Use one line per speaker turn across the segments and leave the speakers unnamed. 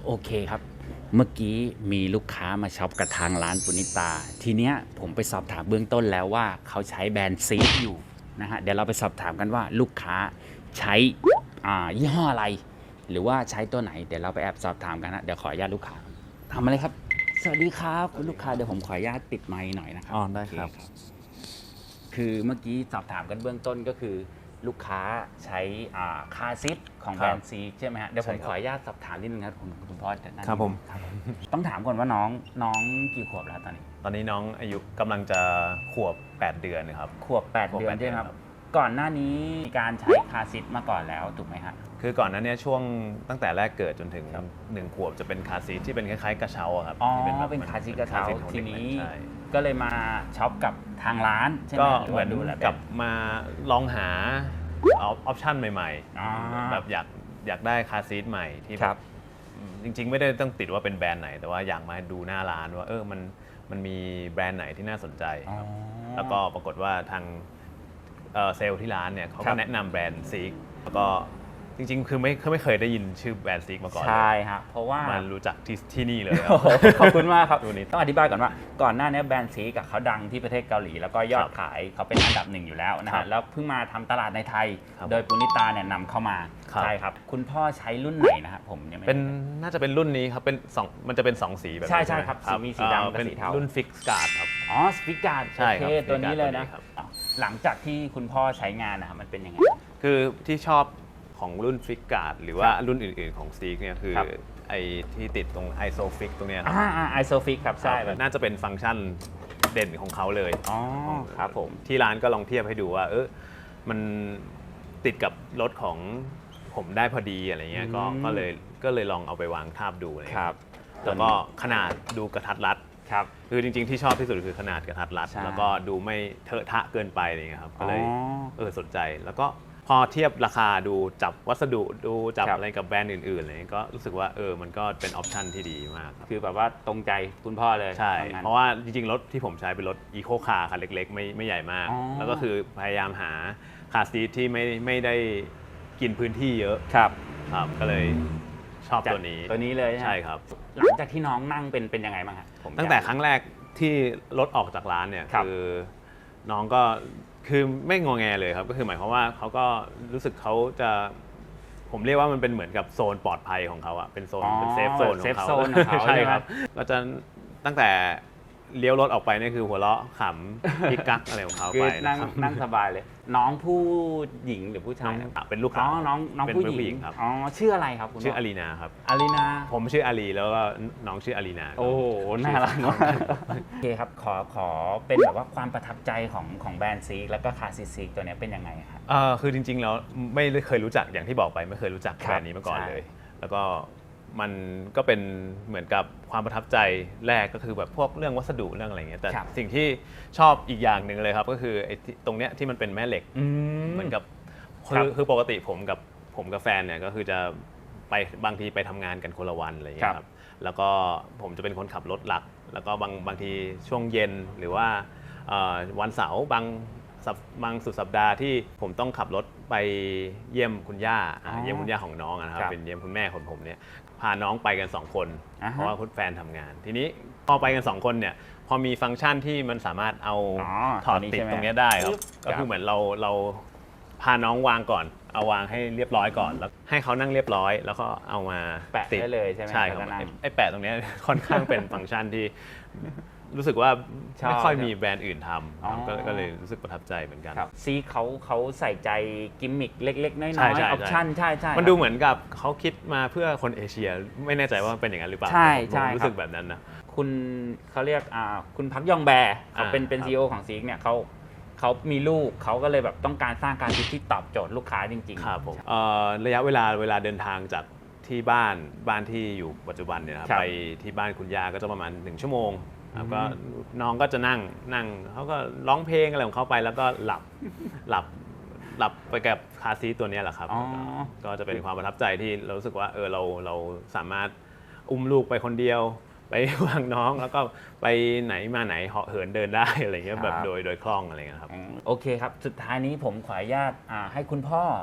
โอเคครับเมื่อกี้มีลูกค้ามาช็อปกับทางร้านปุณิตาทีเนี้ยผมไปสอบถามเบื้องต้นแล้วว่าเขาใช้แบรนด์ซีดอยู่นะฮะเดี๋ยวเราไปสอบถามกันว่าลูกค้าใช้ยี่ห้ออะไรหรือว่าใช้ตัวไหนเดี๋ยวเราไปแอบสอบถามกันนะเดี๋ยวขออนุญาตลูกค้าทำอะไรครับสวัสดีครับคุณลูกค้าเดี๋ยวผมขออนุญาตติดไมค์หน่อยนะครั
ได้ครับ
โอเคือเมื่อกี้สอบถามกันเบื้องต้นก็คือลูกค้าใช้คาซิทของแบรนด์ซีใช่ไหมฮะเดี๋ยวผมขออนุญาตสอบถามนิดนึงครับคุณพ่อจะนั่น
ครับผม
ต้องถามก่อนว่าน้องกี่ขวบแล้วตอนนี้
ตอนนี้น้องอายุกำลังจะขวบ 8 เดือนครับ
ขวบ 8 เดือนใช่ไหมครับก่อนหน้านี้มีการใช้คาซิทมาก่อนแล้วถูกไหมฮะ
คือก่อนหนั้นเนี่ยช่วงตั้งแต่แรกเกิดจนถึง1 ขวบจะเป็นคาร์ซีทที่เป็นคล้ายๆกระเช้าอะครับ
อ๋อ
ที่แบบ
เป็นคาซิทกระเช้า
คซีทของ
ที
ด็ก
นี้
ใช่
ก็เลยมาช็อปกับทางร้านใช่ไหม
ก็
รื
เหมือน
ว่าดูแล
กับมาลองหาออปชั่นใหม่
อ๋อ
ๆแบบอยากได้คาร์ซีทใหม่ที่
ครับ
จริงๆไม่ได้ต้องติดว่าเป็นแบรนด์ไหน แต่ว่าอยากมาดูหน้าร้านว่ามันมีแบรนด์ไหนที่น่าสนใจครับแล้วก็ปรากฏว่าทางเซลล์ที่ร้านเนี่ยเขา
ครั
ก็
บ
แนะนำแบรนด์ซีกแล้วก็จริงๆคือไม่เคยได้ยินชื่อแบรนด์ซีกมาก่อนเลย
ใช่ฮะเพราะว่า
มารู้จักที่นี่เลยครั
โอ้
บ
โหขอบคุณมากครับ
ตัวนี้
ต้องอธิบายก่อนว่าก่อนหน้านี้แบรนด์ซีกับเขาดังที่ประเทศเกาหลี แล้วก็ยอด
ครับ
ขายเขาเป็นอันดับหนึ่งอยู่แล้วนะ
ครั
ฮะ
บ
แล้วเพิ่งมาทำตลาดในไทย
ครับ
โดยปุณิตาเนี่ยนำเข้ามา
ครับ
ใช่ครับคุณพ่อใช้รุ่นไหนนะครับผมยังไม่
เป็นน่าจะเป็นรุ่นนี้ครับเป็น2มันจะเป็น2 สีแบบนี้
ใช่ใช่
ไหม
ครับสีมีสีดำกับ
เป็น
สีเทา
รุ่นฟิกการ์ดครับ
อ๋อสปิการ์ด
ใช่ครับ
ตัวนี้เลยนะ
ตัวนี้ครับ
หลังจากที่คุณพ่อใช้งานนะครับมันเป็นยังไง
คือที่ชอบของรุ่นฟิกการ์ดหรือว่ารุ่นอื่นๆของซีกเนี่ยคือ
ครับ
ไอ้ที่ติดตรงไอโซฟิกตรงเนี้ยครับ
ไอโซฟิกครับใช่แบบ
น่าจะเป็นฟังก์ชันเด่นของเขาเลย
อ๋อครับผม
ที่ร้านก็ลองเทียบให้ดูว่ามันติดกับรถของผมได้พอดีอะไรเงี้ยก็เลยลองเอาไปวางทาบดูอะไร
ค
เงี้ย
รับ
แล้วก็ขนาดดูกระทัดรัด
ครับ
คือจริงๆที่ชอบที่สุดคือขนาดกระทัดรัด
ใช่
แล้วก็ดูไม่เทอะทะเกินไปอะไรเงี้ยครับก็เลย
อ๋อ
สนใจแล้วก็พอเทียบราคาดูจับวัสดุดูจับ
ครับ
อะไรกับแบรนด์อื่นๆอะไรเงี้ยก็รู้สึกว่ามันก็เป็นออปชันที่ดีมากครับ
คือแบบว่าตรงใจคุณพ่อเลย
ใช่
ว่างั้น
เพราะว่าจริงๆ รถที่ผมใช้เป็นรถอีโคคาร์คันเล็กๆ ไม่ใหญ่มาก
อ๋อ
แล้วก็คือพยายามหาคาร์ซีทที่ไม่ได้กินพื้นที่เยอะ
ครับ
ครับก็เลยชอบตัวนี้
ตัวนี้เลย
ใช่ครับ
หลังจากที่น้องนั่งเป็นยังไงบ้างครับผม
ตั้งแต่ครั้งแรกที่รถออกจากร้านเนี่ย
ครับ
คือน้องก็คือไม่งอแงเลยครับก็คือหมายความว่าเขาก็รู้สึกเขาจะผมเรียกว่ามันเป็นเหมือนกับโซนปลอดภัยของเขาอะเป็นโซนเป็นเซฟโซนของเขา
เซฟโซนของเขา
ใช่
ใช่ไหม
ครับก็จะตั้งแต่เลี้ยวรถออกไปนี่คือหัวเราะขำพิกกักอะไรของเขา
คือ
ไป
นั่
นะ
ง
ครับ
นั่งสบายเลย น้องผู้หญิงหรือผู้ชายครับ
เป็นลูก
อ๋
ค้า
อน้อง
เป็น
ผู้หญิ
ผู้หญิ
ง
งครับ
อ๋อชื่ออะไรครับคุณ
ชื่อ
พ่
อารีนาครับ
อารีนา
ผมชื่ออารีแล้วก็น้องชื่ออารีนา
โอ้โหน่ารักมากโอเคครับขอเป็นแบบว่าความประทับใจของแบรนด์ซีกแล้วก็คาซิซีกตัวเนี้ยเป็นยังไงครับ
คือจริงๆแล้วไม่ได้เคยรู้จักอย่างที่บอกไปไม่เคยรู้จัก
ครับ
แบรนด์นี้มาก่อน
ใช่
เลย แล้วก็มันก็เป็นเหมือนกับความประทับใจแรกก็คือแบบพวกเรื่องวัสดุเรื่องอะไรเงี้ยแต่
ครับ
สิ่งที่ชอบอีกอย่างหนึ่งเลยครับก็คือไอ้ที่ตรงเนี้ยที่มันเป็นแม่เหล็ก เหมือนกับ
ครับ
คือปกติผมกับแฟนเนี่ยก็คือจะไปบางทีไปทำงานกันคนละวันอะไรอย่างเงี้ยครับแล้วก็ผมจะเป็นคนขับรถหลัก แล้วก็บางทีช่วงเย็นหรือว่าวันเสาร์บางสุดสัปดาห์ที่ผมต้องขับรถไปเยี่ยมคุณย่าเยี่ยมคุณย่าของน้องนะครับเป็นเยี่ยมคุณแม่ของผมเนี่ยพาน้องไปกัน2 คนเพราะว่าคุณแฟนทำงาน ทีนี้พอไปกัน2 คนเนี่ยพอมีฟังก์ชันที่มันสามารถเอาถอดติดตรงนี้ได้ครับก็คือเหมือนเราพาน้องวางก่อนเอาวางให้เรียบร้อยก่อนแล้วให้เขานั่งเรียบร้อยแล้วก็เอามา
แปะ
ติด
ได้เลยใช่ไหม
ใช่ครับ
แล้วก็นั่ง
ไอ้แปะตรงเนี้ย ค่อนข้างเป็นฟังก์ชันที่รู้สึกว่า
ชอบ
ไม่ค่อยมีแบรนด์อื่นท
อ๋อ
ำก็เลยรู้สึกประทับใจเหมือนกัน
ครับซีเขาใส่ใจกิมมิคเล็กๆ น้อยๆ
ใช่
อ
ใช่
อปชั่นใช่ใช่
มันดูเหมือนกับเขาคิดมาเพื่อคนเอเชีย ไม่แน่ใจว่าเป็นอย่างนั้นหรือเปล่า
ใช่
ผม
ใช่
รู้
ครั
สึ
บ
กแบบนั้นนะ
คุณเขาเรียกคุณพักยองแบร์เขาเป็น
ครับ
ซีอีโอของซีกเนี่ยเขามีลูกเขาก็เลยแบบต้องการสร้างการที่ตอบโจทย์ลูกค้าจริงๆ
ครับผมระยะเวลาเดินทางจากที่บ้านที่อยู่ปัจจุบันเนี่ยนะครับ
ครับ
ไปที่บ้านคุณย่าก็จะประมาณ1 ชั่วโมงครับก็น้องก็จะนั่งเขาก็ร้องเพลงอะไรของเขาไปแล้วก็หลับไปกับคาร์ซีทตัวเนี้ยแหละครับ
อ๋อ
ก็จะเป็นความประทับใจที่เรารู้สึกว่าเราสามารถอุ้มลูกไปคนเดียว ไปวางน้องแล้วก็ไปไหนมาไหนเหาะเหินเดินได้อะไรเงี้ยแบบโดยคล่องอะไรเงี้ยครับ
โอเคครับ สุดท้ายนี้ผมขออนุญาตให้คุณพ่อ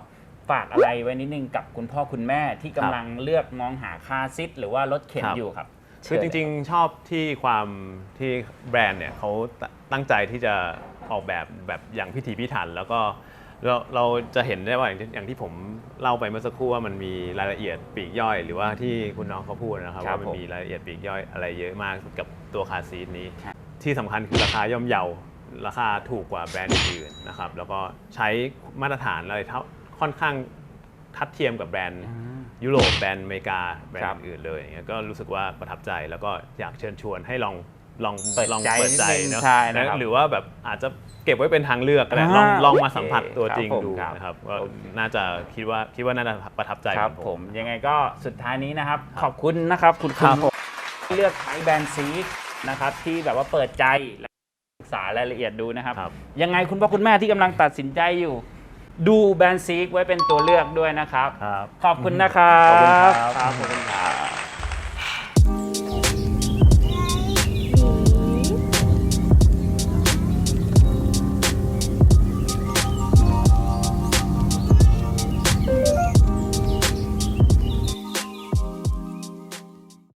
ฝากอะไรไว้นิดนึงกับคุณพ่อคุณแม่ที่กำลังเลือกมองหาคาร์ซีทหรือว่ารถเข็นอยู่ครับ
คือจริงๆชอบที่ความที่แบรนด์เนี่ยเขาตั้งใจที่จะออกแบบอย่างพิถีพิถันแล้วก็เราจะเห็นได้ว่าอย่างที่ผมเล่าไปเมื่อสักครู่ว่ามันมีรายละเอียดปลีกย่อย หรือว่าที่คุณน้องเขาพูดนะครับว่ามันมีรายละเอียดปลีกย่อยอะไรเยอะมากกับตัวคาร์ซีทนี้ ที่สำคัญคือราคาย่อมเยาราคาถูกกว่าแบรนด์อื่นๆนะครับแล้วก็ใช้มาตรฐานอะไรค่อนข้างทัดเทียมกับแบรนด์ยุโรปแบรนด์อเมริกาแบรนด์อื่นเลยอย่างเงี้ยก็รู้สึกว่าประทับใจแล้วก็อยากเชิญชวนให้ลองเปิดใจเนาะหรือว่าแบบอาจจะเก็บไว้เป็นทางเลือกก็ได้ลองมาสัมผัสตัวจริงดูนะครับก็น่าจะคิดว่าน่าจะประทับใจ
ครับผมยังไงก็สุดท้ายนี้นะครับขอบคุณนะครับคุณที่เลือกใช้แบรนด์ซีดนะครับที่แบบว่าเปิดใจและศึกษารายละเอียดดูนะครับยังไงคุณพ่อคุณแม่ที่กำลังตัดสินใจอยู่ดูแบรนด์ซีกไว้เป็นตัวเลือกด้วยนะครับขอบคุณนะครับขอบคุณครับ